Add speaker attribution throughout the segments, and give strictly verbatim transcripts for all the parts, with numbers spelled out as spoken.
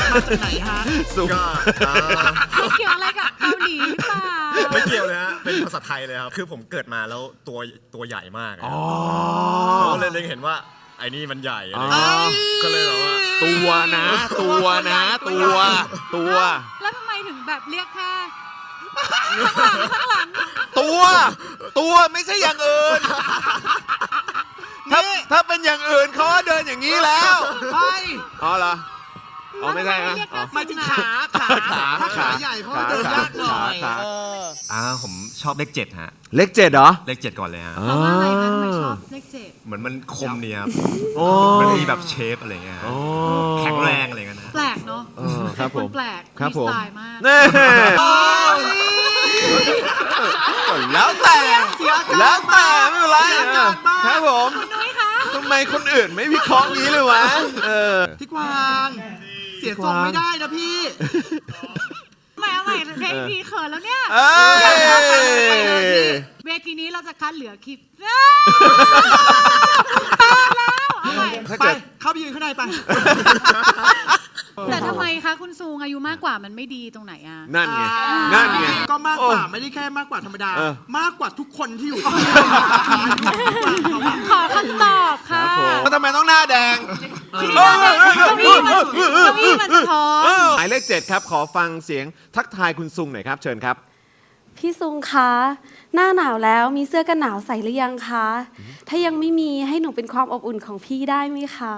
Speaker 1: มาจากไหนฮะ
Speaker 2: ก็
Speaker 3: ไม่เกี่ยวอะไรกับเกาหลีหรือเปล่า
Speaker 2: ไม่เกี่ยวเลยฮะเป็นภาษาไทยเลยครับคือผมเกิดมาแล้วตัวตัวใหญ่มากเขาก็เลยเล็งเห็นว่าไอ้นี่มันใหญ่อะไรก็เลยแบบว่า
Speaker 4: ตัวนะตัวนะตัวตัว
Speaker 3: แล้วทำไมถึงแบบเรียกแค่ข้างหลังข้างหลัง
Speaker 4: ตัวตัวไม่ใช่อย่างอื่นถ้าถ้าเป็นอย่างอื่นเขาเดินอย่างนี้แล้ว
Speaker 1: ไป
Speaker 4: อ๋อเหรออ๋อไม่ใช่นะ
Speaker 1: มาถึงขาขาขาถ้าขาใหญ่เขาเดินยากหน่อย
Speaker 2: อ่าผมชอบเลขเจ็ดฮะ
Speaker 4: เลขเจ็ดเหรอ
Speaker 2: เลขเจ็ดก่อนเลยฮะ
Speaker 3: เพราะว่าอะไรคะทำไมชอบเลขเจ็ด
Speaker 2: เหมือนมันคมเนี่ยมันมีแบบเชฟอะไรเงี้ยแข็งแรงอะไรเงี้ย
Speaker 3: แปลกเนาะ
Speaker 4: ครับผม
Speaker 3: แปลกมีสไตล์มาก
Speaker 4: แล้วแต่แล้วแต่ไม่เป็นไรครับผม
Speaker 3: นุ้ยคะ
Speaker 4: ทำไมคนอื่นไม่วิเคราะห์งี้เลยวะ
Speaker 1: พี่กวางเสียทรงไม่ได้นะพี่
Speaker 3: ใหม่เอาใหม่เพลงพี่เขินแล้วเนี่ยเวทีนี้เราจะคัดเหลือคลิปตายแล้วเอาใหม่
Speaker 1: ไปเข้าไปยืนข้างในไป
Speaker 3: แต่ทำไมคะคุณซูงอายุมากกว่ามันไม่ดีตรงไหนอ่ะ
Speaker 4: นั่นไงนั่นไง
Speaker 1: ก็มากกว่าไม่ได้แค่มากกว่าธรรมดามากกว่าทุกคนที่อยู่
Speaker 3: ขอคำตอบค่ะ
Speaker 4: แล้วทำไมต้องหน้าแดง
Speaker 3: เก้าอี้มันเก้าอี้มันท้อง
Speaker 4: หมายเลขเจ็ดครับขอฟังเสียงทักทายคุณซุงหน่อยครับเชิญครับ
Speaker 5: พี่ซุงคะหน้าหนาวแล้วมีเสื้อกันหนาวใส่หรือยังคะถ้ายังไม่มีให้หนูเป็นความอบอุ่นของพี่ได้ไหมคะ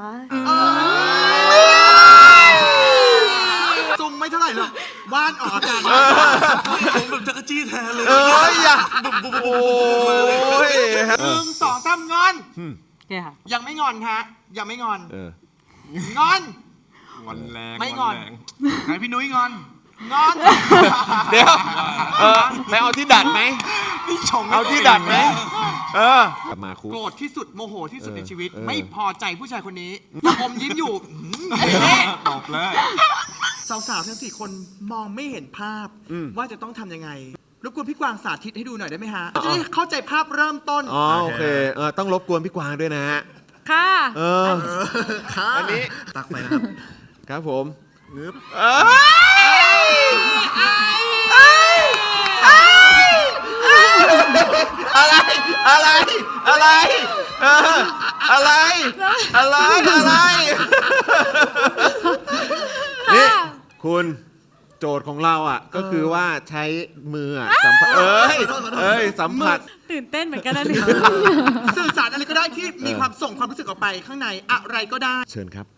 Speaker 1: ซุงไม่เท่าไหร่หรอกบ้านออกอากาศผมแบบจักรจี้แทนเลย
Speaker 4: เอ้ยอ่ะโอ้ย
Speaker 1: หนึ่งสองสามงอนยังไม่งอนฮะยังไม่งอนงอน
Speaker 2: งอนแรง
Speaker 1: ไม่งอนไหนพี่นุ้ยงอนงอน
Speaker 4: เดี๋ยวเออไปเอาที่ดัดไหม
Speaker 1: นี่ชง
Speaker 4: เอาที่ดัดไหมเออกลับมาคุ
Speaker 1: โกรธที่สุดโมโหที่สุดในชีวิตไม่พอใจผู้ชายคนนี้อมยิ้มอยู่
Speaker 2: ตอบเลย
Speaker 1: สาวๆทั้งสี่คนมองไม่เห็นภาพว่าจะต้องทำยังไงรบกวนพี่กวางสาธิตให้ดูหน่อยได้ไหมฮะจะได้เข้าใจภาพเริ่มต้น
Speaker 4: อ๋อโอเคเออต้องรบกวนพี่กวางด้วยนะฮะ
Speaker 3: ค่ะ
Speaker 4: เอออันนี้
Speaker 2: ตักไปนะครับ
Speaker 4: ครับผม
Speaker 2: งึบ
Speaker 4: อะไรอะไรอะไรเอออะไรอะไรอะไรนี่คุณโจทย์ของเราอ่ะก็คือว่าใช้มือสัมผัสเอ้ยเอ้ยสัมผัส
Speaker 3: ตื่นเต้นเหมือนกันนะเนี่ย
Speaker 1: สื่อสารอะไรก็ได้ที่มีความส่งความรู้สึกออกไปข้างในอะไรก็ได้
Speaker 4: เชิญครับ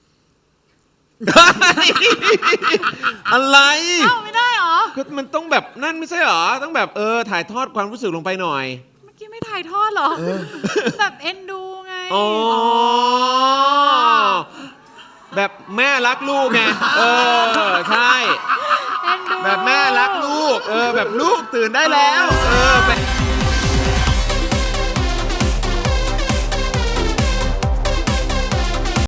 Speaker 4: อะไร
Speaker 3: เอ้าไม่ได้หรอ
Speaker 4: ก็มันต้องแบบนั่นไม่ใช่หรอต้องแบบเออถ่ายทอดความรู้สึกลงไปหน่อย
Speaker 3: เมื่อกี้ไม่ถ่ายทอดหรอแบบเอ็นดูไง
Speaker 4: อ๋อแบบแม่รักลูกไงเออใช่แบบแม่รักลูกเออแบบลูกตื่นได้แล้วเออ